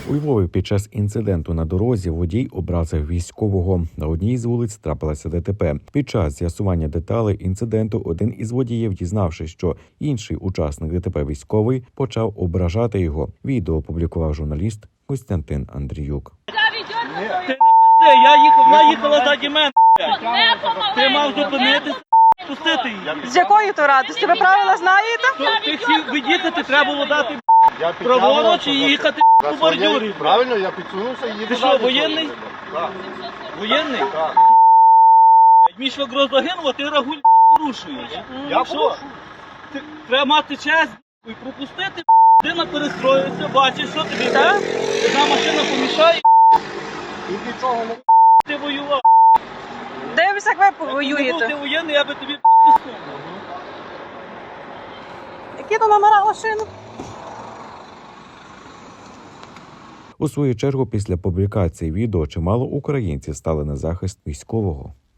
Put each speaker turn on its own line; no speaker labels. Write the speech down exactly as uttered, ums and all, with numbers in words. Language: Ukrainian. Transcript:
У Львові під час інциденту на дорозі водій образив військового. На одній з вулиць трапилося ДТП. Під час з'ясування деталей інциденту один із водіїв, дізнавшись, що інший учасник ДТП військовий, почав ображати його. Відео опублікував журналіст Костянтин Андріюк.
Ти не пизди, я їхав, вона їхала заді мене. Ти мав зупинитися, пустити її.
З якої то радості? Ви правила знаєте?
Ти хотів видіти, треба було дати праворуч і їхати по бордюрі.
Правильно, я підсунувся і їду.
Ти що, воєнний?
Так.
Воєнний?
Так.
Мій швагро загинув, а ти рагуль порушуєш.
Я
Що? Ти- Треба мати честь і пропустити. Людина перестроїться, бачиш, що тобі йде. Одна машина помішає,
Тут нічого не...
ти воював.
Дивимося, як ви
Якби не був ти
воюєте.
воєнний, я би тобі підписав.
Які то номера машин?
У свою чергу, після публікації відео чимало українців стали на захист військового.